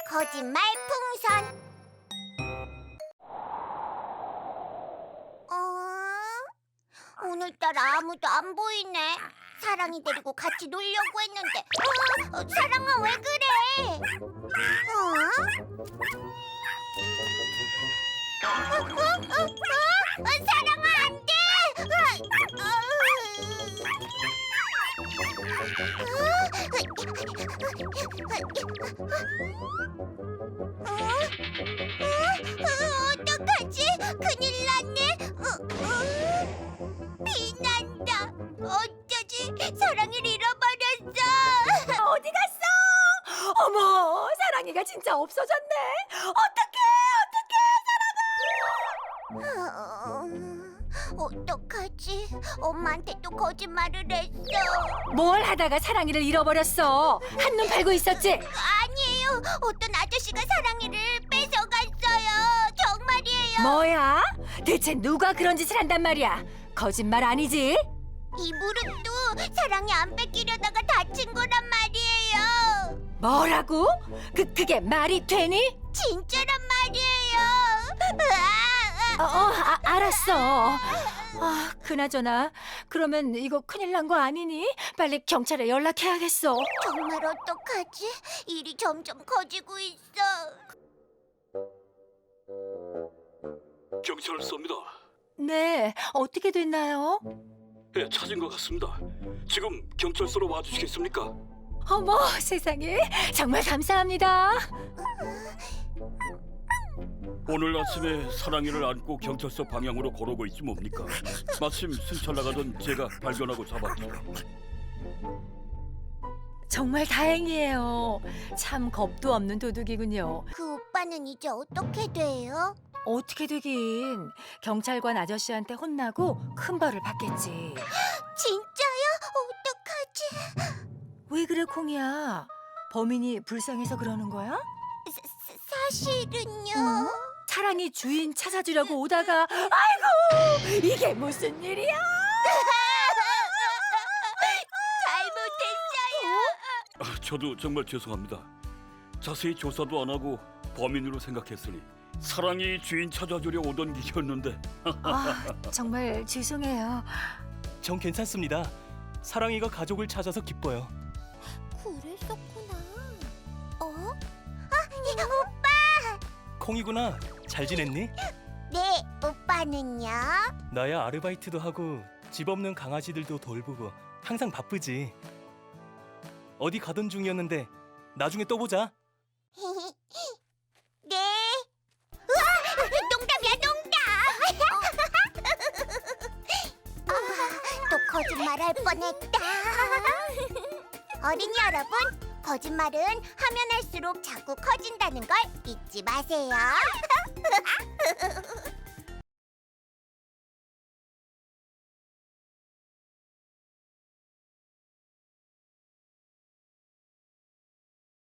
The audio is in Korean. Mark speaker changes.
Speaker 1: 거짓말 풍선. 오늘따라 아무도 안 보이네. 사랑이 데리고 같이 놀려고 했는데. 사랑아, 왜 그래? 사랑아, 안 돼! 어떡하지? 큰일 났네. 비난다. 어쩌지? 사랑이를 잃어버렸어.
Speaker 2: 어디 갔어? 어머, 사랑이가 진짜 없어졌네.
Speaker 1: 어떡하지? 엄마한테 또 거짓말을 했어.
Speaker 2: 뭘 하다가 사랑이를 잃어버렸어? 한눈 팔고 있었지?
Speaker 1: 아니에요. 어떤 아저씨가 사랑이를 뺏어갔어요. 정말이에요.
Speaker 2: 뭐야? 대체 누가 그런 짓을 한단 말이야? 거짓말 아니지?
Speaker 1: 이 무릎도 사랑이 안 뺏기려다가 다친 거란 말이에요.
Speaker 2: 뭐라고? 그게 말이 되니?
Speaker 1: 진짜란 말이에요.
Speaker 2: 알았어. 그나저나 그러면 이거 큰일 난 거 아니니? 빨리 경찰에 연락해야겠어.
Speaker 1: 정말 어떡하지? 일이 점점 커지고 있어.
Speaker 3: 경찰서입니다.
Speaker 2: 네, 어떻게 됐나요?
Speaker 3: 예, 찾은 것 같습니다. 지금 경찰서로 와주시겠습니까?
Speaker 2: 어머, 세상에. 정말 감사합니다.
Speaker 3: 오늘 아침에 사랑이를 안고 경찰서 방향으로 걸어오고 있지 뭡니까? 마침 순찰 나가던 제가 발견하고 잡았죠.
Speaker 2: 정말 다행이에요. 참 겁도 없는 도둑이군요.
Speaker 1: 그 오빠는 이제 어떻게 돼요?
Speaker 2: 어떻게 되긴. 경찰관 아저씨한테 혼나고 큰 벌을 받겠지.
Speaker 1: 진짜요? 어떡하지?
Speaker 2: 왜 그래, 콩이야? 범인이 불쌍해서 그러는 거야?
Speaker 1: 사실은요.
Speaker 2: 사랑이 주인 찾아주려고 오다가 아이고, 이게 무슨 일이야?
Speaker 1: 잘못했어요.
Speaker 3: 저도 정말 죄송합니다. 자세히 조사도 안 하고 범인으로 생각했으니 사랑이 주인 찾아주려 오던 길이었는데.
Speaker 2: 정말 죄송해요.
Speaker 4: 전 괜찮습니다. 사랑이가 가족을 찾아서 기뻐요.
Speaker 1: 그랬었구나. 오빠!
Speaker 4: 콩이구나. 잘 지냈니?
Speaker 1: 네, 오빠는요?
Speaker 4: 나야 아르바이트도 하고 집 없는 강아지들도 돌보고 항상 바쁘지. 어디 가던 중이었는데 나중에 또 보자.
Speaker 1: 네. 우와! 농담이야, 농담! 또 거짓말할 뻔했다. 어린이 여러분, 거짓말은 하면 할수록 자꾸 커진다는 걸 잊지 마세요.